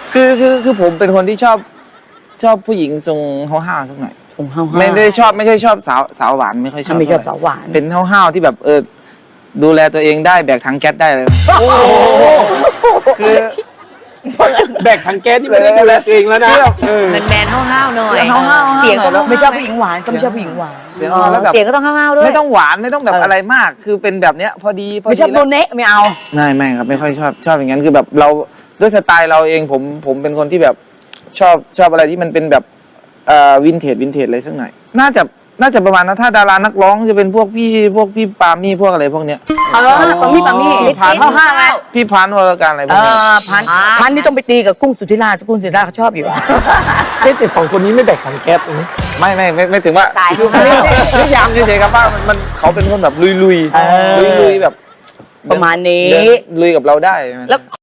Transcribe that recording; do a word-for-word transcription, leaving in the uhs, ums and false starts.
คือคือคือผมเป็นคนที่ชอบชอบผู้หญิงทรงห้าวๆสักหน่อยส่งห้าวๆไม่ได้ชอบไม่ใช่ชอบสาวสาวหวานไม่ค่อยชอบไม่ชอบสาวหวานเป็นห้าวๆที่แบบเออดูแลตัวเองได้แบกถังแก๊สได้เลยคือแบกถังแก๊สที่ไม่ได้ดูแลตัวเองแล้วนะแมนแมนห้าวๆหน่อยห้าวๆเสียงก็ต้องไม่ชอบผู้หญิงหวานก็ไม่ชอบผู้หญิงหวานเสียงอ่อนแล้วแบบเสียงก็ต้องห้าวๆด้วยไม่ต้องหวานไม่ต้องแบบอะไรมาก คือเป็นแบบเนี้ยพอดีพอไม่ดีชอบโดนเนะไม่เอาไม่ไม่ครับไม่ค่อยชอบชอบอย่างนั้นคือแบบเราด้วยสไตล์เราเองผมผมเป็นคนที่แบบชอบชอบอะไรที่มันเป็นแบบเอ่อวินเทจวินเทจอะไรสักหน่อยน่าจะน่าจะประมาณนั้นถ้าดารานักร้องจะเป็นพวกพี่พวกพี่ปามี่พวกอะไรพวกเนี้ยเออปามี่ปามี่พี่พันห้าวห้าวไงพี่พันวรการอะไรพเอวกเนี้ยอพันพันนี่ต้องไปตีกับกุ้งสุธิราชกุ้งสุธิราชเขาชอบอยู่เอ๊ะแต่สองคนนี้ไม่แบกถังแก๊สนะไม่ไม่ไม่ไม่ถึงว่าตายคือไม่นิยามเฉยๆครับว่ามันมันเขาเป็นคนแบบลุยลุยเออลุยลุยๆแบบประมาณนี้เดิลุยกับเราได้แล้ว